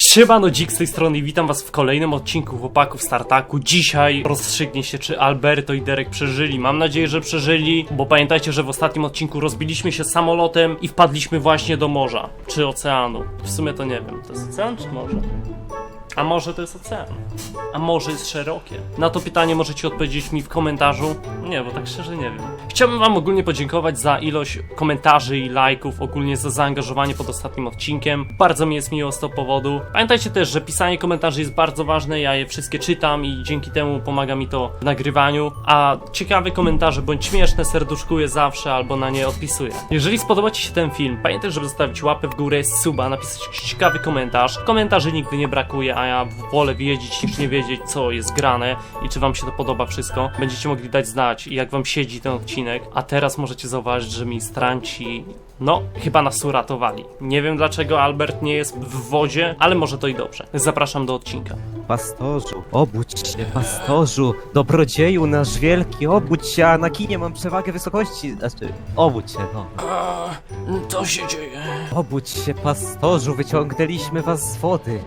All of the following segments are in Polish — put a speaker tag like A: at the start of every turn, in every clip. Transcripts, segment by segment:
A: Siemano, Dzik z tej strony i witam was w kolejnym odcinku Chłopaków Startaku. Dzisiaj rozstrzygnie się, czy Alberto i Derek przeżyli. Mam nadzieję, że przeżyli, bo pamiętajcie, że w ostatnim odcinku rozbiliśmy się samolotem i wpadliśmy właśnie do morza, czy oceanu. W sumie to nie wiem, to jest ocean czy morze? A może to jest ocean? A może jest szerokie? Na to pytanie możecie odpowiedzieć mi w komentarzu. Nie, bo tak szczerze nie wiem. Chciałbym wam ogólnie podziękować za ilość komentarzy i lajków, ogólnie za zaangażowanie pod ostatnim odcinkiem. Bardzo mi jest miło z tego powodu. Pamiętajcie też, że pisanie komentarzy jest bardzo ważne, ja je wszystkie czytam i dzięki temu pomaga mi to w nagrywaniu. A ciekawe komentarze bądź śmieszne serduszkuję zawsze albo na nie odpisuję. Jeżeli spodoba ci się ten film, pamiętaj, żeby zostawić łapę w górę, suba, napisać jakiś ciekawy komentarz. Komentarzy nigdy nie brakuje, a ja wolę wiedzieć niż nie wiedzieć, co jest grane i czy wam się to podoba wszystko. Będziecie mogli dać znać, jak wam siedzi ten odcinek. A teraz możecie zauważyć, że ministranci, no, chyba nas uratowali. Nie wiem dlaczego Albert nie jest w wodzie, ale może to i dobrze. Zapraszam do odcinka.
B: Pastorzu, obudź się, pastorzu, dobrodzieju nasz wielki, obudź się, a na kinie mam przewagę wysokości, znaczy, obudź się, no.
A: Co się dzieje?
B: Obudź się, pastorzu, wyciągnęliśmy was z wody.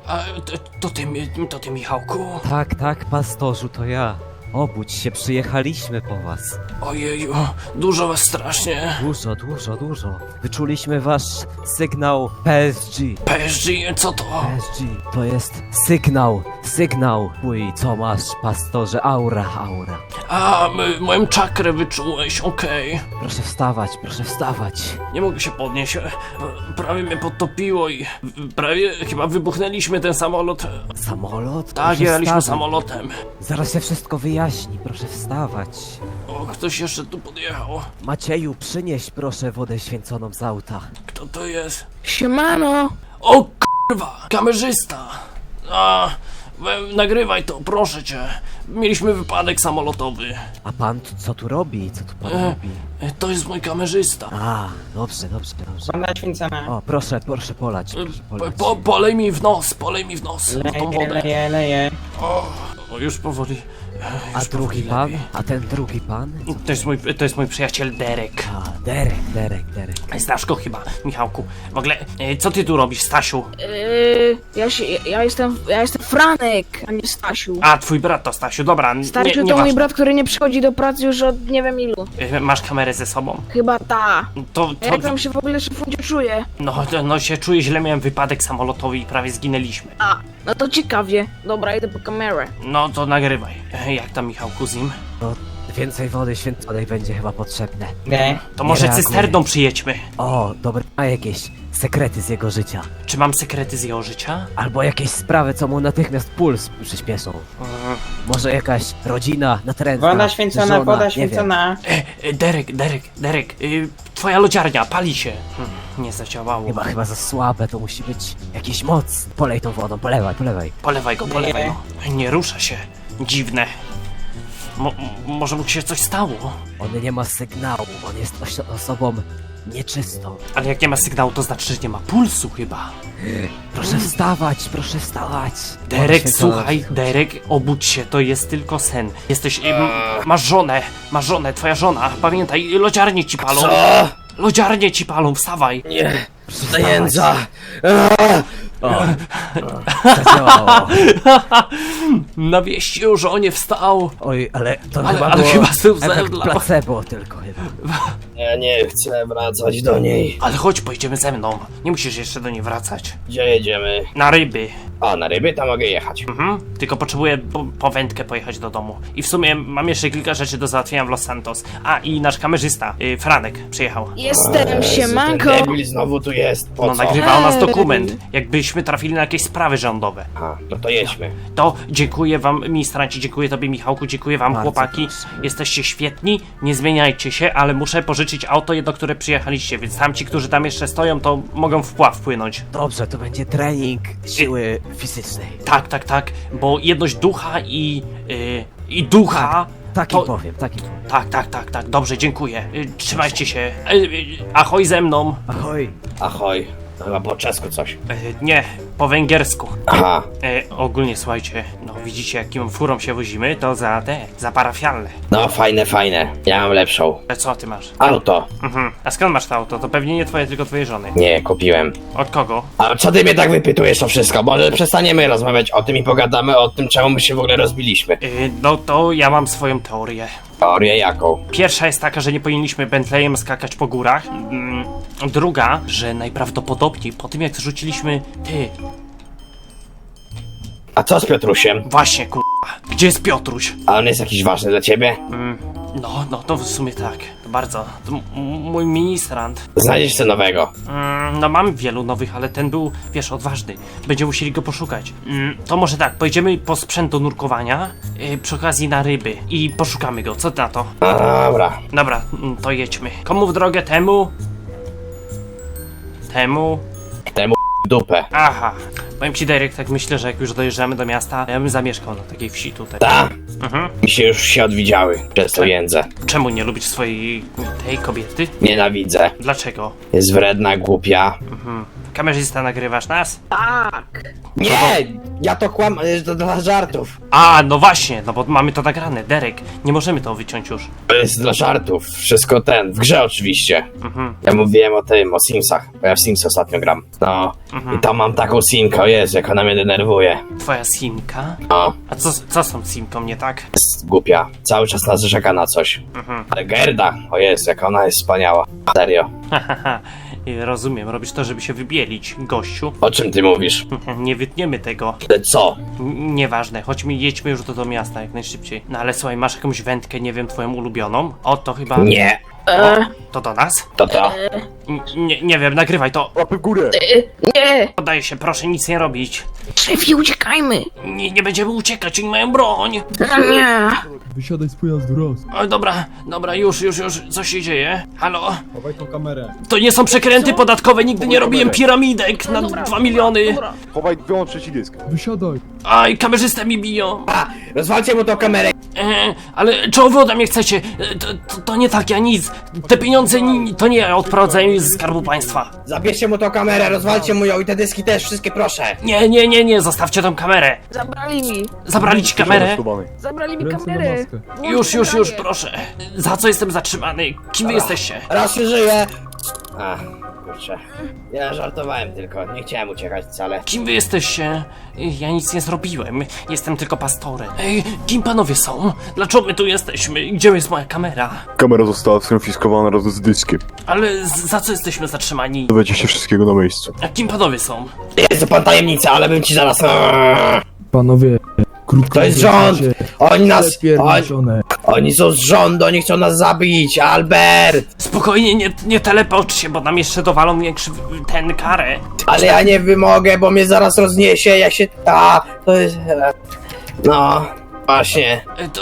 A: To ty Michałku?
B: Tak, pastorzu, to ja. Obudź się, przyjechaliśmy po was.
A: Ojeju, dużo was strasznie.
B: Dużo. Wyczuliśmy wasz sygnał PSG.
A: PSG, co to?
B: PSG, to jest sygnał. Uj, co masz, pastorze, aura.
A: A, moją czakrę wyczułeś, okej.
B: Proszę wstawać.
A: Nie mogę się podnieść, prawie mnie podtopiło i prawie chyba wybuchnęliśmy ten samolot.
B: Samolot?
A: Tak,
B: Proszę
A: jechaliśmy
B: wstawać.
A: samolotem.
B: Zaraz się wszystko wyjaśni, proszę wstawać.
A: O, ktoś jeszcze tu podjechał.
B: Macieju, przynieś proszę wodę święconą z auta.
A: Kto to jest?
C: Siemano!
A: O kurwa, kamerzysta. Nagrywaj to, proszę cię. Mieliśmy wypadek samolotowy.
B: A pan co tu robi? Co tu pan robi?
A: To jest mój kamerzysta.
B: A, dobrze.
C: Woda święcona.
B: O, proszę polać.
A: Polej mi w nos, w tą wodę.
C: Leje.
A: O, już powoli.
B: A
A: Już
B: drugi
A: powoli
B: pan?
A: lepiej.
B: A ten drugi pan?
A: To jest mój przyjaciel Derek.
B: A, Derek.
A: Znasz go chyba, Michałku. W ogóle, co ty tu robisz, Stasiu?
C: Ja jestem Franek, a nie Stasiu.
A: A, twój brat to Stasiu, dobra,
C: Stasiu to
A: nieważne.
C: mój brat, który nie przychodzi do pracy już od nie wiem ilu.
A: Masz kamerę ze sobą?
C: Chyba ta.
A: To
C: A jak tam się w ogóle szefundzie czuję?
A: no się czuję źle, miałem wypadek samolotowy i prawie zginęliśmy.
C: A, no to ciekawie. Dobra, idę po kamerę.
A: No to nagrywaj. Jak tam, Michałku, z nim?
B: No, więcej wody święconej będzie chyba potrzebne.
C: Nie.
A: To może
B: reaguję.
A: cysterną przyjedźmy.
B: O, dobra, a jakieś sekrety z jego życia.
A: Czy mam sekrety z jego życia?
B: Albo jakieś sprawy, co mu natychmiast puls przyspieszą. Może jakaś rodzina natrętna,
D: Woda święcona,
B: żona,
D: woda
B: nie
D: święcona.
A: Derek, twoja lodziarnia, pali się. Nie zadziałało.
B: wiem. Chyba za słabe, to musi być jakiś moc. Polej tą wodą, polewaj.
A: Polewaj go. Nie rusza się. Dziwne. Może mu się coś stało?
B: On nie ma sygnału, on jest osobą nieczystą.
A: Ale jak nie ma sygnału, to znaczy, że nie ma pulsu chyba.
B: Proszę wstawać.
A: Derek, słuchaj, Derek, obudź się, to jest tylko sen. Jesteś... masz żonę, twoja żona. Pamiętaj, lodziarnie ci palą.
E: Co?
A: Lodziarnie ci palą, wstawaj.
E: Nie, zajęca.
B: Zadziałało.
A: Na wieści o żonie wstał.
B: Oj, ale to
A: Ale
B: chyba było
A: chyba znów
B: efekt
A: zemdlał.
B: placebo tylko chyba.
E: Ja nie chcę wracać do niej.
A: Ale chodź, pojedziemy ze mną. Nie musisz jeszcze do niej wracać.
E: Gdzie jedziemy?
A: Na ryby.
E: A, na ryby tam mogę jechać.
A: Tylko potrzebuję po wędkę pojechać do domu. I w sumie mam jeszcze kilka rzeczy do załatwienia w Los Santos. A, i nasz kamerzysta, Franek, przyjechał.
C: Jestem, siemanko.
E: Ten debil znowu tu jest. Po
A: No,
E: co?
A: nagrywał nas dokument. Jakbyśmy trafili na jakieś sprawy rządowe.
E: A, no to jedźmy.
A: To dziękuję wam, ministranci, dziękuję tobie, Michałku, dziękuję wam,
B: Bardzo
A: chłopaki.
B: proszę.
A: Jesteście świetni, nie zmieniajcie się, ale muszę pożyczyć auto, do które przyjechaliście, więc tamci, którzy tam jeszcze stoją, to mogą w pław płynąć.
B: Dobrze, to będzie trening siły fizycznej.
A: Tak, bo jedność ducha i ducha...
B: Taki
A: to-
B: powiem.
A: Tak, dobrze, dziękuję. Trzymajcie się. Ahoj ze mną.
B: Ahoj.
E: Ahoj. To chyba po czesku coś.
A: Nie, po węgiersku.
E: Aha.
A: Ogólnie słuchajcie, no widzicie jakim furą się wozimy, to za parafialne.
E: No fajne, fajne. Ja mam lepszą.
A: Ale co ty masz?
E: Auto.
A: A skąd masz to auto? To pewnie nie twoje, tylko twojej żony.
E: Nie, kupiłem.
A: Od kogo?
E: A co ty mnie tak wypytujesz o wszystko? Może przestaniemy rozmawiać o tym i pogadamy o tym, czemu my się w ogóle rozbiliśmy.
A: No to ja mam swoją teorię.
E: Teorię jaką?
A: Pierwsza jest taka, że nie powinniśmy Bentleyem skakać po górach. Druga, że najprawdopodobniej po tym jak zrzuciliśmy...
E: A co z Piotrusiem?
A: Właśnie gdzie jest Piotruś?
E: A on jest jakiś ważny dla ciebie?
A: No to w sumie tak. To bardzo. To mój ministrant.
E: Znajdziesz co nowego.
A: No mam wielu nowych, ale ten był, wiesz, odważny. Będziemy musieli go poszukać. To może tak, pojedziemy po sprzęt do nurkowania, przy okazji na ryby i poszukamy go. Co ty na to?
E: A, dobra.
A: Dobra, to jedźmy. Komu w drogę? Temu? Temu?
E: Temu dupę.
A: Aha. Powiem ci, Derek, tak myślę, że jak już dojeżdżamy do miasta, ja bym zamieszkał na takiej wsi tutaj.
E: Ta?
A: Mhm.
E: Mi się już się odwidziały przez to jędzę.
A: Czemu nie lubisz swojej tej kobiety?
E: Nienawidzę.
A: Dlaczego?
E: Jest wredna, głupia.
A: Kamerzysta, nagrywasz nas?
C: Tak.
E: Nie! Ja to to dla żartów.
A: A, no właśnie, no bo mamy to nagrane, Derek. Nie możemy to wyciąć już.
E: To jest dla żartów. Wszystko w grze oczywiście. Ja mówiłem o tym, o Simsach, bo ja w Sims ostatnio gram. No, i tam mam taką simkę, o Jezu, jak ona mnie denerwuje.
A: Twoja simka?
E: No,
A: A co z tą simką, nie tak?
E: jest głupia. Cały czas narzeka na coś. Ale Gerda, o Jezu, jak ona jest wspaniała. Serio.
A: Hahaha, rozumiem, robisz to, żeby się wybielić, gościu.
E: O czym ty mówisz?
A: Nie wytniemy tego.
E: Ale co?
A: Nieważne, chodźmy, jedźmy już do miasta jak najszybciej. No ale słuchaj, masz jakąś wędkę, nie wiem, twoją ulubioną? O, to chyba...
E: Nie.
A: To do nas?
E: To.
A: Nie wiem, nagrywaj to.
B: Łapy w górę!
C: Nie.
A: Poddaję się, proszę nic nie robić.
C: Szefie, uciekajmy.
A: Nie będziemy uciekać, oni mają broń.
C: Nie.
D: Wysiadaj z pojazdu, raz.
A: O, dobra, już, co się dzieje? Halo?
D: Chowaj tą kamerę.
A: To nie są przekręty podatkowe, nigdy nie robiłem piramidek na 2 miliony.
C: Dobra.
B: Chowaj, wyłącz trzeci dysk.
D: Wysiadaj.
A: Aj, kamerzystę mi biją.
E: A, rozwalcie mu tą kamerę.
A: Ale czego wy ode mnie chcecie? To nie tak, ja nic. Te pieniądze to nie ja odprowadzałem z Skarbu Państwa.
E: Zabierzcie mu tą kamerę, rozwalcie mu ją i te dyski też, wszystkie proszę.
A: Nie, zostawcie tą kamerę.
C: Zabrali mi.
A: Zabrali ci kamerę?
C: Zabrali mi
D: Ręce na
C: kamerę.
D: maskę.
C: Włącz
A: Już,
C: nagranie.
A: proszę. Za co jestem zatrzymany? Kim wy jesteście?
E: Raz się żyje. A, kurczę. Ja żartowałem tylko, nie chciałem uciekać wcale.
A: Kim wy jesteście? Ja nic nie zrobiłem. Jestem tylko pastorem. Ej, kim panowie są? Dlaczego my tu jesteśmy? Gdzie jest moja kamera?
F: Kamera została skonfiskowana razem z dyskiem.
A: Ale za co jesteśmy zatrzymani?
F: Dowiecie się wszystkiego na miejscu.
A: A kim panowie są?
E: Jest to pan tajemnica, ale bym ci zaraz...
D: Panowie, krótko
E: To jest
D: mówiąc,
E: rząd!
D: macie
E: Oni nas...
D: przepierniczone.
E: Oni są z rządu, oni chcą nas zabić, Albert!
A: Spokojnie, nie telepocz się, bo nam jeszcze dowalą większy ten karę.
E: Ale ja nie wymogę, bo mnie zaraz rozniesie, ja się... to jest... No, właśnie.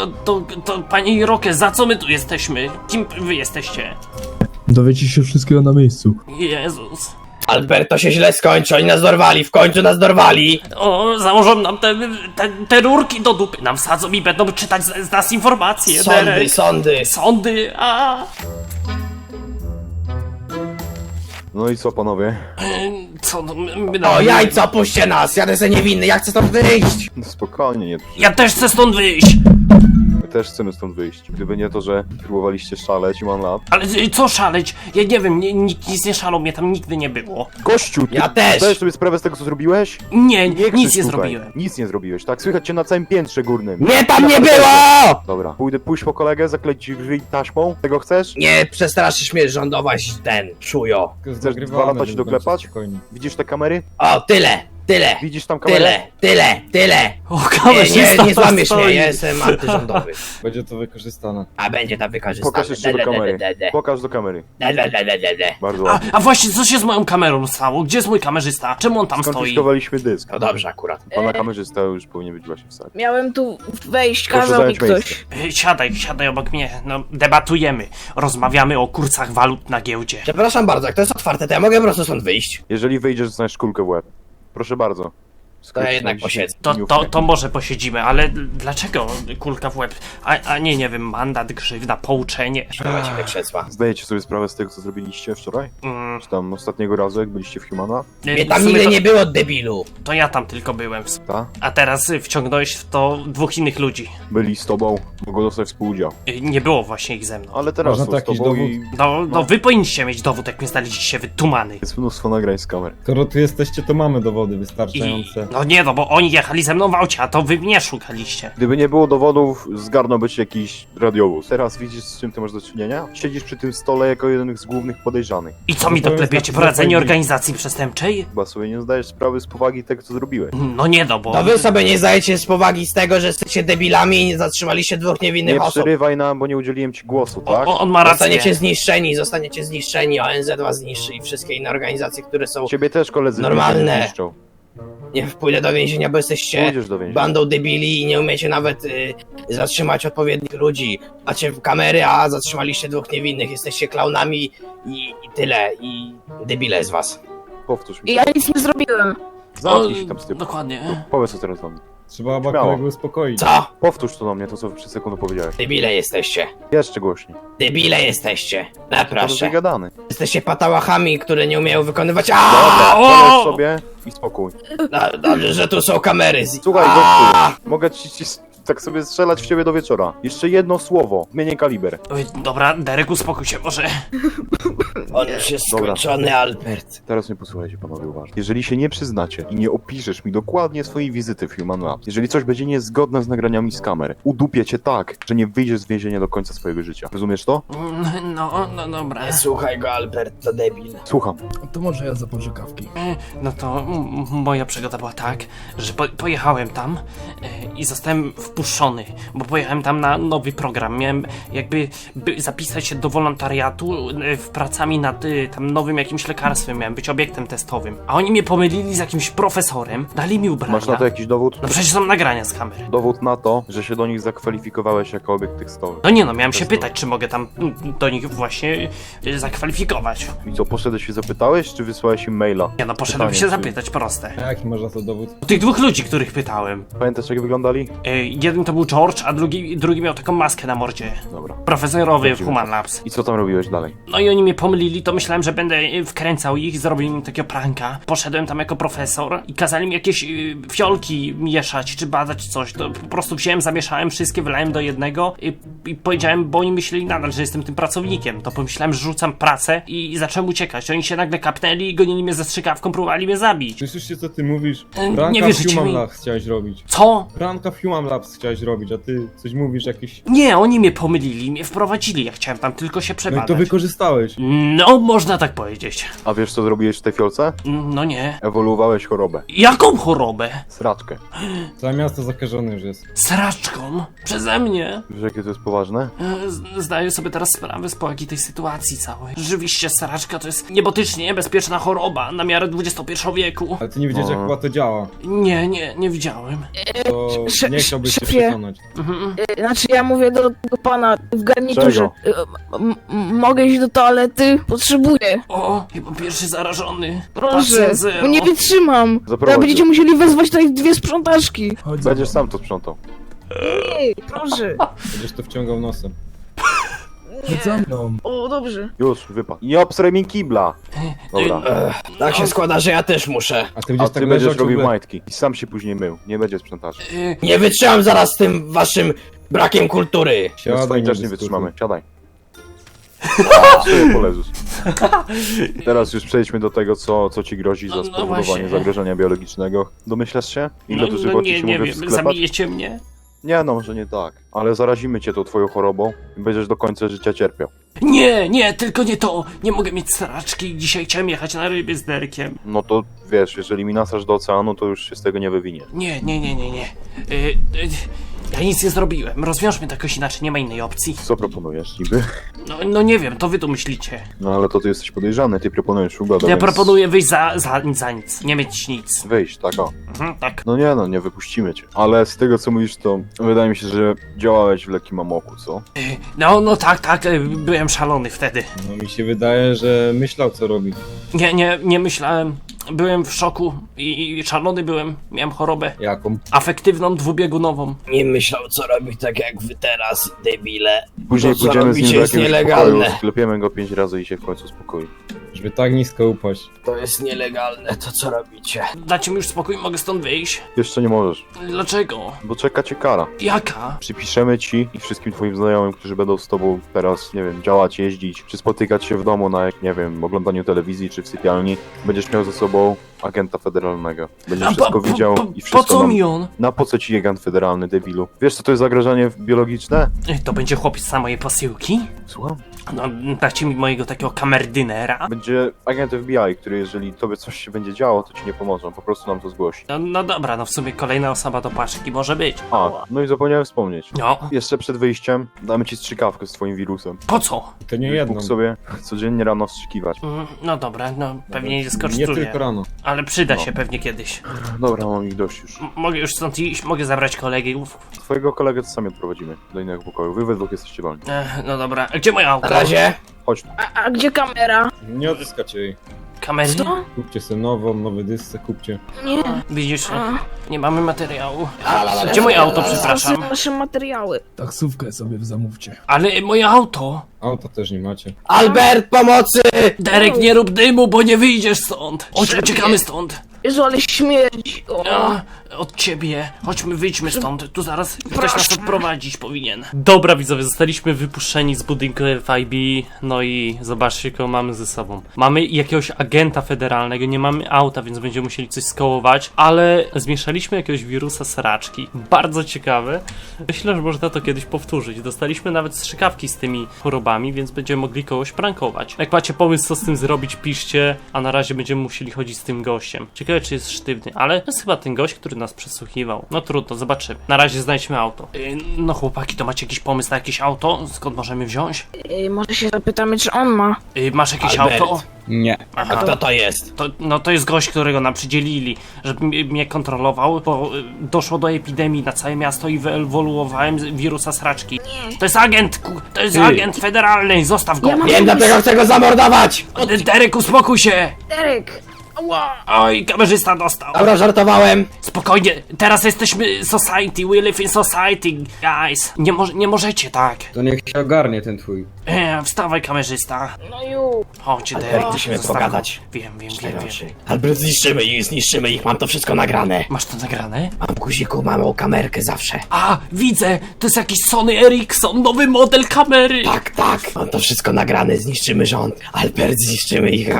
A: To panie Iroke, za co my tu jesteśmy? Kim wy jesteście?
D: Dowiecie się wszystkiego na miejscu.
A: Jezus.
E: Albert, to się źle skończy, oni nas dorwali, w końcu nas dorwali!
A: O, założą nam te rurki do dupy, nam wsadzą i będą czytać z nas informacje,
E: Sądy,
A: Derek.
E: sądy!
A: Sądy,
F: No i co, panowie?
A: Co, no,
E: O, jajco, puśćcie nas, jadę se niewinny, ja chcę stąd wyjść!
F: No spokojnie, nie.
A: Ja też chcę stąd wyjść!
F: My też chcemy stąd wyjść. Gdyby nie to, że próbowaliście szaleć i mam lat.
A: Ale co szaleć? Ja nie wiem, nikt nic nie szalał, mnie tam nigdy nie było.
F: Gościu, ty
E: Ja też!
F: zdajesz sobie sprawę z tego, co zrobiłeś?
A: Nie,
F: krzycz
A: nic nie
F: tutaj.
A: zrobiłem.
F: Nic nie zrobiłeś, tak? Słychać cię na całym piętrze górnym.
E: Nie, tam nie było!
F: Dobra, pójść po kolegę, zakleć ci drzwi taśmą. Tego chcesz?
E: Nie przestraszysz mnie rządować ten, czujo.
F: Chcesz 2 lata ci doklepać? Widzisz te kamery?
E: O, tyle!
F: Widzisz tam kamerę?
E: Tyle!
A: O,
E: Nie,
A: kamerzysta
E: nie złamiesz
A: stoi.
E: mnie, ja jestem antyrządowy.
D: Będzie to wykorzystane.
E: A będzie tam wykorzystane.
F: Pokaż jeszcze do kamery. Pokaż do kamery. Bardzo ładnie.
A: A właśnie, co się z moją kamerą stało? Gdzie jest mój kamerzysta? Czemu on tam stoi?
F: Skonfiskowaliśmy dysk.
E: No dobrze akurat.
F: Pana kamerzysta już powinien być właśnie w sali.
C: Miałem tu wejść,
F: Proszę
C: kazał mi
F: zająć
C: ktoś.
A: Siadaj obok mnie. No, debatujemy. Rozmawiamy o kursach walut na giełdzie.
E: Przepraszam bardzo, jak to jest otwarte, to ja mogę po prostu stąd wyjść.
F: Jeżeli wyjdziesz, dostaniesz kulkę w łeb. Proszę bardzo.
E: To ja jednak posiedzę.
A: To może posiedzimy, ale dlaczego kulka w łeb? A nie wiem, mandat, grzywna, pouczenie.
E: Dawajcie te krzesła.
F: Zdajecie sobie sprawę z tego, co zrobiliście wczoraj? Czy tam ostatniego razu, jak byliście w Humana?
E: Mnie tam
A: w sumie
E: nigdy nie było, debilu.
A: to ja tam tylko byłem.
F: Ta?
A: A teraz wciągnąłeś w to 2 innych ludzi.
F: Byli z tobą, mogą dostać współudział.
A: Nie było właśnie ich ze mną.
F: Ale teraz
D: Można
F: są
D: to
F: z
D: jakiś
F: tobą
D: dowód?
F: i
A: No wy powinniście mieć dowód, jak mnie znaleźliście wytumany.
F: jest mnóstwo nagrań z kamer.
D: Skoro tu jesteście, to mamy dowody
A: I,
D: wystarczające.
A: no nie, no bo oni jechali ze mną w aucie, a to wy mnie szukaliście.
F: Gdyby nie było dowodów, zgarnąłby ci jakiś radiowóz. Teraz widzisz, z czym ty masz do czynienia? Siedzisz przy tym stole jako jeden z głównych podejrzanych.
A: I co mi
D: to jest
A: doklepiecie?
D: tak,
A: Prowadzenie
D: że-
A: organizacji przestępczej?
F: Chyba sobie nie zdajesz sprawy z powagi tego, co zrobiłeś.
A: No nie, no bo...
E: To wy sobie nie zdajecie z powagi z tego, że jesteście debilami i nie zatrzymaliście 2 niewinnych
F: Nie
E: osób.
F: przerywaj nam, bo nie udzieliłem ci głosu, tak?
A: On ma rację.
E: Zostaniecie zniszczeni, ONZ was zniszczy i wszystkie inne organizacje, które są...
F: Ciebie też koledzy
E: Normalne.
F: niszczą.
E: Nie pójdę do więzienia, bo jesteście
F: Pójdziesz do więzienia.
E: bandą debili i nie umiecie nawet zatrzymać odpowiednich ludzi. Macie kamery, a zatrzymaliście 2 niewinnych. Jesteście klaunami i tyle. I debile z was.
F: Powtórz mi.
C: Ja nic nie zrobiłem.
F: Zamknij się tam z tym.
A: Dokładnie.
F: Powiedz co teraz do mnie.
D: Trzeba chyba
F: Śmiało.
D: kolegę uspokoić.
E: Co?
F: Powtórz to do mnie, to co przed sekundą powiedziałeś.
E: Debile jesteście.
F: Jeszcze głośniej.
E: Debile jesteście.
F: To
E: Naproszę.
F: wygadany.
E: Jesteście patałachami, które nie umieją wykonywać...
F: Dobra,
A: O!
F: powiedz sobie i spokój.
E: Dobrze, że tu są kamery.
F: Słuchaj,
E: A!
F: gościu, mogę ci tak sobie strzelać w ciebie do wieczora. Jeszcze jedno słowo, zmienię kaliber.
A: Oj, dobra, Derek, uspokój się może.
E: On już jest
F: Dobra.
E: skończony, Albert.
F: Teraz mnie posłuchajcie panowie uważnie. Jeżeli się nie przyznacie i nie opiszesz mi dokładnie swojej wizyty w Human Labs, jeżeli coś będzie niezgodne z nagraniami z kamer, udupię cię tak, że nie wyjdziesz z więzienia do końca swojego życia. Rozumiesz to?
A: No dobra.
E: Nie słuchaj go, Albert, to debil.
F: Słucham.
D: To może ja zapożyczę kawki.
A: No to moja przygoda była tak, że pojechałem tam i zostałem wpuszczony, bo pojechałem tam na nowy program. Miałem jakby zapisać się do wolontariatu w pracami nad tam nowym jakimś lekarstwem, miałem być obiektem testowym. A oni mnie pomylili z jakimś profesorem, dali mi ubrania.
F: Masz na to jakiś dowód?
A: No przecież są nagrania z kamery.
F: Dowód na to, że się do nich zakwalifikowałeś jako obiekt tekstowy.
A: No nie no, miałem się
F: Testowy.
A: pytać, czy mogę tam do nich właśnie zakwalifikować.
F: I co, poszedłeś się zapytałeś, czy wysłałeś im maila?
A: Nie no, poszedłem
F: Pytanie,
A: się
F: czy-
A: zapytać, proste.
D: A jaki masz na to dowód?
A: Tych 2 ludzi, których pytałem.
F: Pamiętasz jak wyglądali?
A: Jeden to był George, a drugi miał taką maskę na mordzie.
F: Dobra.
A: Profesorowy w
F: Dobrze.
A: Human Labs.
F: I co tam robiłeś dalej?
A: No i oni mnie pomylili, to myślałem, że będę wkręcał ich, zrobili mi takiego pranka. Poszedłem tam jako profesor i kazali mi jakieś fiolki mieszać, czy badać coś. To po prostu wziąłem, zamieszałem wszystkie, wylałem do jednego i powiedziałem, bo oni myśleli nadal, że jestem tym pracownikiem. To pomyślałem, że rzucam pracę i zacząłem uciekać. Oni się nagle kapnęli i gonili mnie ze strzykawką, próbowali mnie zabić.
D: Słyszysz się, co ty mówisz?
A: Nie
D: Pranka w
A: wierzycie
D: Human
A: mi.
D: Labs chciałeś robić.
A: Co?
D: Pranka w Human Labs chciałeś robić, a ty coś mówisz jakieś...
A: Nie, oni mnie pomylili, mnie wprowadzili. Ja chciałem tam tylko się
D: No i
A: przebadać.
D: to wykorzystałeś.
A: No, można tak powiedzieć.
F: A wiesz co zrobiłeś w tej fiolce?
A: No nie.
F: Ewoluowałeś chorobę.
A: Jaką chorobę?
F: Sraczkę.
D: Całe miasto zakażone już jest.
A: Sraczką? Przeze mnie?
F: Wiesz jakie to jest poważne?
A: Zdaję sobie teraz sprawę z powagi tej sytuacji całej. Rzeczywiście sraczka to jest niebotycznie niebezpieczna choroba na miarę XXI wieku.
D: Ale ty nie wiedziałeś, jak
F: No.
D: chyba to działa.
A: Nie widziałem.
D: To nie chciałbyś się
C: szefie.
D: przekonać.
C: Znaczy ja mówię do pana w garniturze.
F: Czego?
C: Mogę iść do toalety? Potrzebuję.
A: O, chyba pierwszy zarażony.
C: Proszę,
A: Pacjent zero.
C: bo nie wytrzymam.
F: Zaprowadź.
C: To będziecie musieli wezwać tutaj 2 sprzątaczki.
D: Chodź
F: Będziesz sam to sprzątał.
C: Nie, proszę.
D: Będziesz to wciągał nosem.
C: Nie.
D: Chodź za mną.
C: O, dobrze.
F: Już, wypadł. Nie obsraj mi kibla! Dobra.
E: Tak się składa, że ja też muszę.
D: A ty
F: A
D: będziesz
F: ty
D: tak
F: będziesz
D: leżał
F: robił
D: ciągle...
F: majtki. I sam się później mył. Nie będzie sprzątaczy.
E: Nie wytrzymam zaraz z tym waszym brakiem kultury.
F: My
D: Siadaj,
F: swoim też nie
D: dyskutuj.
F: wytrzymamy. Siadaj. Sobie poleżysz. Teraz już przejdźmy do tego, co ci grozi za
A: No
F: spowodowanie
A: właśnie.
F: zagrożenia biologicznego. Domyślasz się? Ile
A: No
F: dożywoci
A: nie,
F: ci
A: nie
F: mogę w
A: wiem,
F: sklepach?
A: zabijecie mnie?
F: Nie no, może nie tak. Ale zarazimy cię tą twoją chorobą i będziesz do końca życia cierpiał.
A: Nie, tylko nie to. Nie mogę mieć sraczki. Dzisiaj chciałem jechać na ryby z Derkiem.
F: No to wiesz, jeżeli mi nasasz do oceanu, to już się z tego nie wywinie.
A: Nie. Ja nic nie zrobiłem. Rozwiążmy to jakoś inaczej, nie ma innej opcji.
F: Co proponujesz niby?
A: No nie wiem, to wy tu myślicie.
F: No ale to ty jesteś podejrzany, ty proponujesz ugodę,
A: Ja
F: więc
A: proponuję wyjść za nic, nie mieć nic.
F: wyjść, tak o.
A: Tak.
F: No nie no, nie wypuścimy cię. Ale z tego co mówisz, to wydaje mi się, że działałeś w lekkim amoku, co?
A: No tak, byłem szalony wtedy.
D: No mi się wydaje, że myślał, co robi.
A: Nie myślałem. byłem w szoku i szalony byłem. Miałem chorobę
D: Jaką?
A: afektywną, dwubiegunową.
E: Nie myślał, co robić tak jak wy teraz, debile.
F: Później
E: To, co
F: pójdziemy z nim
E: robicie,
F: do
E: jest
F: jakiegoś
E: nielegalne.
F: pokoju, sklepiemy go 5 razy i się w końcu spokoi.
D: Żeby tak nisko upaść.
E: To jest nielegalne, to co robicie.
A: Dajcie mi już spokój, mogę stąd wyjść.
F: Jeszcze nie możesz,
A: Dlaczego?
F: bo czeka cię kara.
A: Jaka?
F: Przypiszemy ci i wszystkim twoim znajomym, którzy będą z tobą teraz, nie wiem, działać, jeździć, czy spotykać się w domu na, nie wiem, oglądaniu telewizji, czy w sypialni, będziesz miał ze sobą agenta federalnego. Będziesz wszystko widział i
A: Po
F: wszystko
A: co
F: nam...
A: mi on?
F: Na po co ci agent federalny, debilu? Wiesz, co to jest zagrożenie biologiczne?
A: To będzie chłopiec z mojej posyłki?
F: Słucham?
A: No, dajcie mi mojego takiego kamerdynera.
F: Będzie agent FBI, który jeżeli tobie coś się będzie działo, to ci nie pomoże, on po prostu nam to zgłosi.
A: No dobra, no w sumie kolejna osoba do paczki może być.
F: A, no i zapomniałem wspomnieć.
A: No,
F: Jeszcze przed wyjściem damy ci strzykawkę z twoim wirusem.
A: po co?
D: To nie jedną.
F: Mógł sobie codziennie rano wstrzykiwać.
A: No dobra, no pewnie nie
D: Nie
A: skosztuje.
D: tylko rano.
A: Ale przyda
F: No.
A: się pewnie kiedyś.
F: Dobra, mam ich dość już.
A: Mogę już stąd iść, mogę zabrać kolegów.
F: Twojego kolegę to sami odprowadzimy do innego pokoju. Wy we dwóch jesteście wolni.
A: No dobra, a gdzie moje auto?
E: Na razie.
F: Chodź tu.
C: A gdzie kamera?
D: Nie odzyskacie jej.
A: Kamery?
C: Co?
D: Kupcie sobie nową, nowy dysce, kupcie.
C: Nie.
A: Widzisz,
C: A,
A: nie mamy materiału. Gdzie moje auto, przepraszam?
C: są nasze materiały.
G: Taksówkę sobie zamówcie.
A: Ale moje auto!
D: Auta też nie macie.
E: Albert, pomocy!
A: Derek, nie rób dymu, bo nie wyjdziesz stąd! Chodź, uciekamy stąd!
C: Jezu, ale śmierdzi. O.
A: Od ciebie. Chodźmy, wyjdźmy stąd. Tu zaraz ktoś nas odprowadzić powinien. Dobra, widzowie, zostaliśmy wypuszczeni z budynku FIB. No i zobaczcie, kogo mamy ze sobą. Mamy jakiegoś agenta federalnego, nie mamy auta, więc będziemy musieli coś skołować, ale zmieszaliśmy jakiegoś wirusa sraczki. Bardzo ciekawe. Myślę, że można to kiedyś powtórzyć. Dostaliśmy nawet strzykawki z tymi chorobami, więc będziemy mogli kogoś prankować. Jak macie pomysł, co z tym zrobić, piszcie, a na razie będziemy musieli chodzić z tym gościem. Ciekawe, czy jest sztywny, ale to jest chyba ten gość, który nas przesłuchiwał. No trudno, zobaczymy. Na razie znajdźmy auto. No chłopaki, to macie jakiś pomysł na jakieś auto? Skąd możemy wziąć?
C: Może się zapytamy, czy on ma.
A: Masz jakieś
E: Albert.
A: auto?
D: Nie.
E: A kto to jest?
A: To jest gość, którego nam przydzielili, żeby mnie kontrolował, bo doszło do epidemii na całe miasto i wyewoluowałem z wirusa sraczki. To jest agent, to jest agent federalny, zostaw go!
C: Ja mam-
E: Wiem, dlatego chcę go zamordować!
A: Derek, uspokój się!
C: Derek! Ała!
A: Oj, kamerzysta dostał.
E: Dobra, żartowałem.
A: Spokojnie, teraz jesteśmy society, we live in society, guys. Nie możecie tak.
H: To niech się ogarnie ten twój.
A: Wstawaj, kamerzysta.
C: No już.
A: Chodź,
E: Albert,
A: Derek.
E: musimy
A: zostaw go.
E: pogadać.
A: Wiem.
E: Albert, zniszczymy ich, mam to wszystko nagrane.
A: Masz to nagrane?
E: Mam guziku, małą kamerkę zawsze.
A: A, widzę! To jest jakiś Sony Ericsson, nowy model kamery!
E: Tak, mam to wszystko nagrane, zniszczymy rząd. Albert, zniszczymy ich.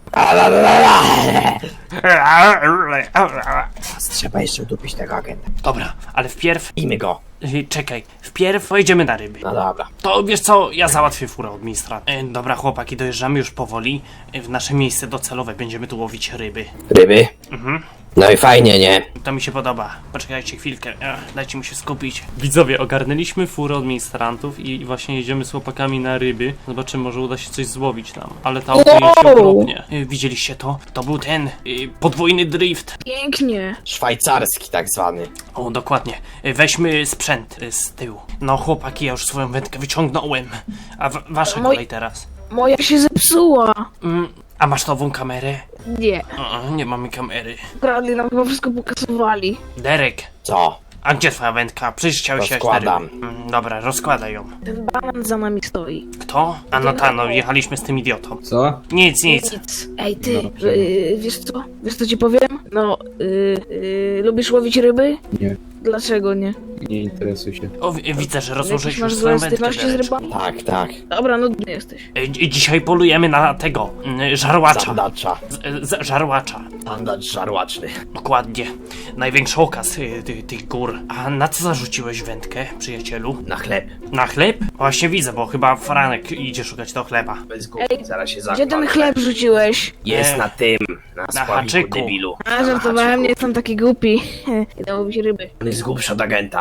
E: Trzeba jeszcze udupić tego agenta.
A: Dobra, ale wpierw...
E: Bijmy go.
A: Czekaj, wpierw pojedziemy na ryby.
E: No dobra.
A: To wiesz co, ja załatwię furę od ministra. Dobra, chłopaki, dojeżdżamy już powoli. W nasze miejsce docelowe będziemy tu łowić ryby.
E: Ryby?
A: Mhm.
E: No i fajnie, nie?
A: To mi się podoba. Poczekajcie chwilkę, dajcie mi się skupić. Widzowie, ogarnęliśmy furę od ministrantów i właśnie jedziemy z chłopakami na ryby. Zobaczymy, może uda się coś złowić nam. Ale ta auto jest okropnie. Widzieliście to? To był ten podwójny drift.
C: Pięknie.
E: Szwajcarski tak zwany.
A: O, dokładnie. Weźmy sprzęt z tyłu. No chłopaki, ja już swoją wędkę wyciągnąłem. A wasza kolej teraz.
C: Moja się zepsuła.
A: A masz nową kamerę?
C: Nie.
A: Nie mamy kamery.
C: Kradli nam chyba wszystko pokazywali.
A: Derek,
E: Co?
A: a gdzie twoja wędka? Przecież chciałeś jechać na
E: Rozkładam.
A: ryby. Dobra, rozkładaj ją.
C: Ten banan za nami stoi.
A: Kto? A no ta, no jechaliśmy z tym idiotą.
H: Co?
A: Nic.
C: Nic. Ej ty, wiesz co? Wiesz co ci powiem? No, lubisz łowić ryby?
H: Nie.
C: Dlaczego nie?
H: Nie interesuj się.
A: O, widzę, że
C: Jakieś
A: rozłożyliśmy
C: masz
A: już
C: złe
A: swoją wędkę,
C: styczności z
A: Dereczku.
C: rybami?
E: Tak.
C: Dobra, nudny jesteś.
A: Dzisiaj polujemy na tego, żarłacza.
E: Sandacza.
A: Żarłacza.
E: Sandacz żarłaczny.
A: Dokładnie. Największy okaz tych gór. A na co zarzuciłeś wędkę, przyjacielu?
E: Na chleb.
A: Na chleb? Właśnie widzę, bo chyba Franek idzie szukać do chleba.
E: Bez głupi, zaraz się
C: Gdzie ten chleb rzuciłeś?
E: Jest na tym. Na sławiku,
A: haczyku.
E: debilu.
C: A, żartowałem, nie jestem taki głupi. Idę łowić ryby.
E: On jest głupszy od agenta.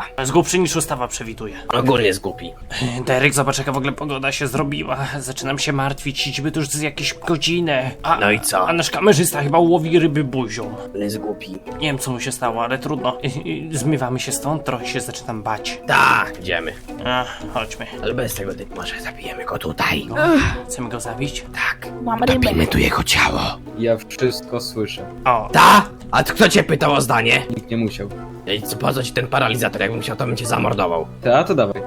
A: Jest głupszy niż ustawa przewiduje.
E: Ogólnie jest głupi.
A: Derek, zobacz jaka w ogóle pogoda się zrobiła. Zaczynam się martwić, idźmy tu już z jakieś godzinę.
E: No i co?
A: A nasz kamerzysta chyba łowi ryby buzią.
E: On jest głupi.
A: Nie wiem co mu się stało, ale trudno. Zmywamy się stąd, trochę się zaczynam bać.
E: Tak, idziemy.
A: Chodźmy.
E: Ale bez tego typu może zabijemy go tutaj.
A: Chcemy go zabić?
E: Tak.
C: Mam rybę.
E: Zabijmy tu jego ciało.
H: Ja wszystko słyszę.
A: O,
E: Ta? A kto cię pytał o zdanie?
H: Nikt nie musiał.
E: Ej, po co ci ten paralizator? Jakbym chciał, to bym cię zamordował.
H: Ta, to dawaj.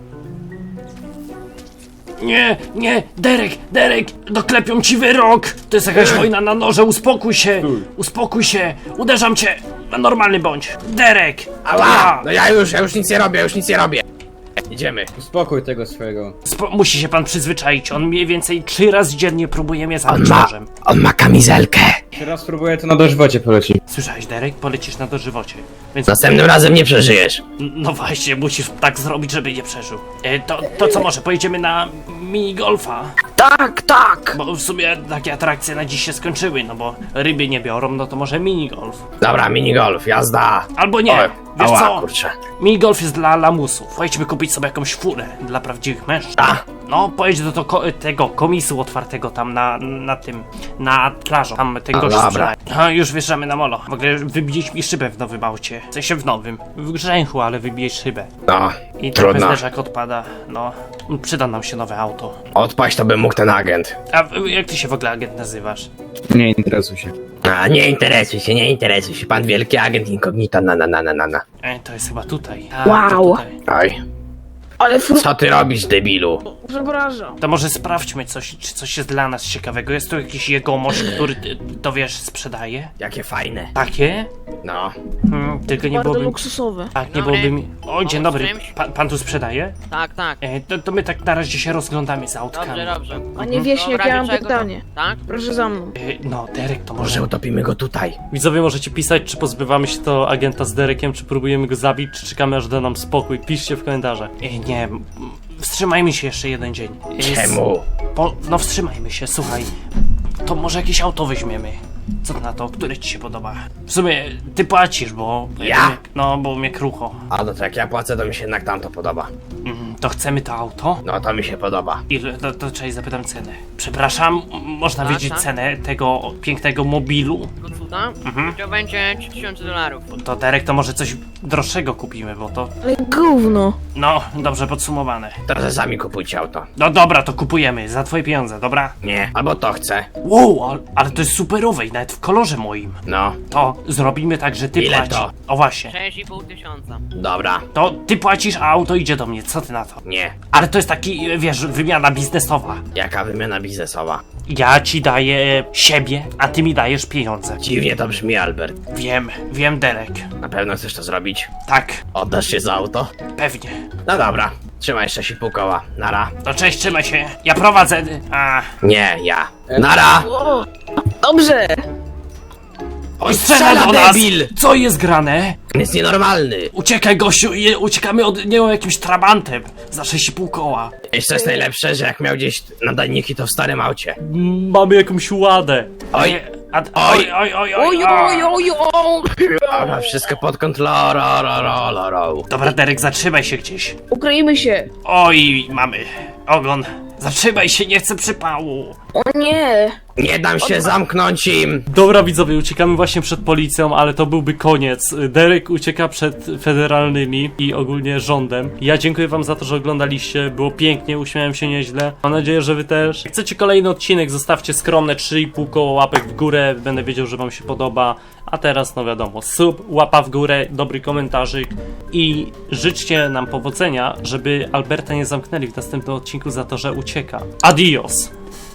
A: nie, Derek, doklepią ci wyrok. To jest jakaś wojna na noże, uspokój się, uderzam cię. Normalny bądź. Derek!
E: Ała! No ja już nic nie robię, Idziemy.
H: Uspokój tego swojego.
A: Musi się pan przyzwyczaić, on mniej więcej 3 razy dziennie próbuje mnie zabić nożem.
E: On ma kamizelkę.
H: Teraz spróbuję, to na dożywocie poleci.
A: Słyszałeś, Derek? Polecisz na dożywocie. Więc
E: Następnym razem nie przeżyjesz.
A: no właśnie, musisz tak zrobić, żeby nie przeżył. To co, może pojedziemy na minigolfa?
C: Tak.
A: Bo w sumie takie atrakcje na dziś się skończyły, no bo ryby nie biorą, no to może minigolf.
E: Dobra, minigolf, jazda.
A: Albo nie,
E: Oj,
A: wiesz
E: ała,
A: co?
E: kurczę.
A: Minigolf jest dla lamusów. Pojedźmy kupić sobie jakąś furę dla prawdziwych mężczyzn.
E: A,
A: No, pojedź do tego komisu otwartego tam na plażą. Tam ten
E: A,
A: gość
E: dobra.
A: sprzedaje. No, już wjeżdżamy na molo. W ogóle wybiłeś mi szybę w nowym aucie. W sensie w nowym. W grzęchu, ale wybijesz szybę.
E: no,
A: I trochę
E: trudno.
A: zderzak odpada. No, przyda nam się nowe auto.
E: Odpaść to by mógł ten agent.
A: A jak ty się w ogóle agent nazywasz?
H: Nie interesuj się.
E: A, nie interesuj się. Pan wielki agent incognito, na.
A: To jest chyba tutaj.
C: Wow.
A: To tutaj.
E: Oj,
C: Ale
E: co ty robisz, debilu?
C: przepraszam.
A: To może sprawdźmy coś, czy coś jest dla nas ciekawego. Jest tu jakiś jegomość, który, to wiesz, sprzedaje?
E: Jakie fajne.
A: Takie?
E: No,
A: Tylko nie
C: Bardzo
A: byłoby...
C: luksusowe.
A: Tak, nie
I: Dobry.
A: byłoby mi... O, dzień dobry.
I: czymś?
A: Pan tu sprzedaje?
I: Tak, tak.
A: To my tak na razie się rozglądamy za autkami.
I: Dobrze.
C: Panie Wieśniak,
I: Dobra,
C: ja mam
I: dlaczego
C: pytanie.
I: to? Tak?
C: Proszę za mną.
A: No, Derek, to
E: może
A: może...
E: utopimy go tutaj.
A: Widzowie, możecie pisać, czy pozbywamy się to agenta z Derekiem, czy próbujemy go zabić, czy czekamy, aż da nam spokój. Piszcie w komentarzach. Nie, wstrzymajmy się jeszcze jeden dzień.
E: Czemu?
A: No wstrzymajmy się, słuchaj. To może jakieś auto weźmiemy. Co ty na to? Które ci się podoba? W sumie ty płacisz, bo...
E: Ja?
A: No, bo mnie krucho.
E: A no to jak ja płacę, to mi się jednak tamto podoba.
A: To chcemy to auto?
E: No to mi się podoba.
A: Ile? To czekaj, zapytam cenę. Przepraszam, można
I: Tak,
A: wiedzieć
I: tak.
A: cenę tego pięknego mobilu?
I: Tylko cuda? To będzie $3000.
A: To Derek, to może coś droższego kupimy, bo to...
C: Ale gówno.
A: No, dobrze podsumowane.
E: Teraz sami kupujcie auto.
A: No dobra, to kupujemy, za twoje pieniądze, dobra?
E: Nie, albo to chcę.
A: Wow, ale to jest superowe i nawet w kolorze moim.
E: No,
A: To zrobimy tak, że ty
E: Ile
A: płacisz.
E: to?
A: O właśnie.
I: 6,5 tysiąca.
E: dobra.
A: To ty płacisz, a auto idzie do mnie, co ty na to?
E: Nie.
A: Ale to jest taki, wiesz, wymiana biznesowa.
E: Jaka wymiana biznesowa?
A: Ja ci daję siebie, a ty mi dajesz pieniądze.
E: Dziwnie to brzmi, Albert.
A: Wiem, Derek.
E: Na pewno chcesz to zrobić?
A: Tak,
E: Oddasz się za auto?
A: pewnie.
E: No dobra. Trzymaj 6,5 koła. Nara.
A: No cześć, trzymaj się. Ja prowadzę.
E: Nie, ja. Nara!
C: O, dobrze.
E: Oj,
A: Strzela do nas!
E: debil!
A: Co jest grane?
E: On jest nienormalny.
A: Uciekaj, gościu, i uciekamy od niego jakimś trabantem za 6,5 koła.
E: Jeszcze jest najlepsze, że jak miał gdzieś nadajniki, to w starym aucie.
A: Mamy jakąś ładę.
E: Oj.
A: Oj.
C: Oj.
E: Dobra, wszystko pod kontrolą.
A: Dobra, Derek, zatrzymaj się gdzieś.
C: Ukryjmy się.
A: Oj, mamy ogon. Zatrzymaj się, nie chcę przypału.
C: O nie.
E: Nie dam się zamknąć im.
A: Dobra, widzowie, uciekamy właśnie przed policją, ale to byłby koniec. Derek ucieka przed federalnymi i ogólnie rządem. Ja dziękuję wam za to, że oglądaliście. Było pięknie, uśmiałem się nieźle. Mam nadzieję, że wy też. Jak chcecie kolejny odcinek, zostawcie skromne 3,5 koło łapek w górę. Będę wiedział, że wam się podoba. A teraz, no wiadomo, sub, łapa w górę, dobry komentarzyk i życzcie nam powodzenia, żeby Alberta nie zamknęli w następnym odcinku za to, że ucieka. Adios!